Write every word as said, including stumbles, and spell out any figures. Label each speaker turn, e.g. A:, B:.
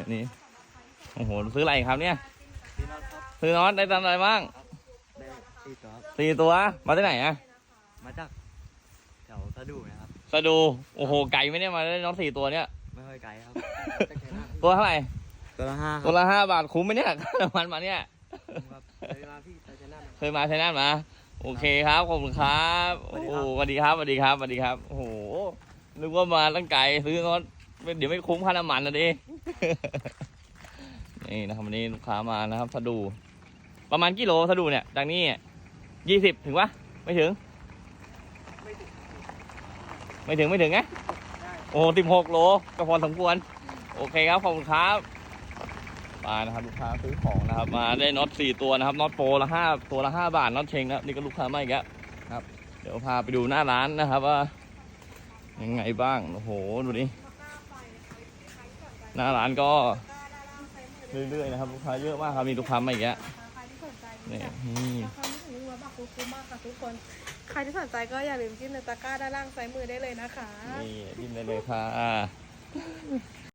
A: นี่โอ้โหซื้ออะไรครับเนี่ย
B: พี่น็อตครับ
A: ซื้อน็อตได้ตันอะไรบ้าง
B: ได้สี่ตัวครับ
A: สี่ตัวมาที่ไหนอะ
B: มาจากแถวสะดุนะครับ
A: สะดูโอ้โหไก่ไหมเนี่ยมาได้น็อตสี่ตัวเนี่ย
B: ไม่ค่อยไกลครับ
A: ตัวเท่าไหร่
B: ตัวละห้าค
A: ตั
B: รั
A: ว
B: บ
A: ละห้าบาทคุ้มไหมเนี่ยค่าน้ำมันมาเนี่ย
B: ครับเคยมาพี่ไปชนะ
A: เคยมาใช้นั่นมาโอเคครับขอบคุณครับโอ้โหสวัสดีครับสวัสดีครับสวัสดีครับโอ้โหนึกว่ามาตั้งไกลซื้อน็อตเดี๋ยวไม่คุ้มค่าน้ำมันนะดิ นี่นะครับวันนี้ลูกค้ามานะครับสะดูประมาณกิโลสะดูเนี่ยจากนี้ยี่สิบถึงปะไม่ถึง ไม่ถึงไม่ถึงไงโอ้สิบหกโลก็พอสมควรโอเคครับขอบคุณครับมานะครับลูกค้าซื้อของนะครับมาได้น็อตสี่ตัวนะครับน็อตโปรละห้าตัวละห้าบาทน็อตเชงนะนี่ก็ลูกค้ามาอีกแล้วครับเดี๋ยวพาไปดูหน้าร้านนะครับว่ายังไงบ้างโอ้โหดูดิหน้าร้านก็เรื่อยๆนะครับลูกค้าเยอะมากครับมีลูกค้ามาอีกแล้ว
C: ใครที่สนใจ
A: นี่
C: อยาก
A: นี่
C: อยากทำให้ถึงว่าบักคุ้มมากค่ะทุกคน ใครที่สนใจก็อย่าลืมจิ้มในตะกร้าด้านล่างซ้ายมือได้เลยนะคะ
A: นี่ดิ้นได้เลยค่ะ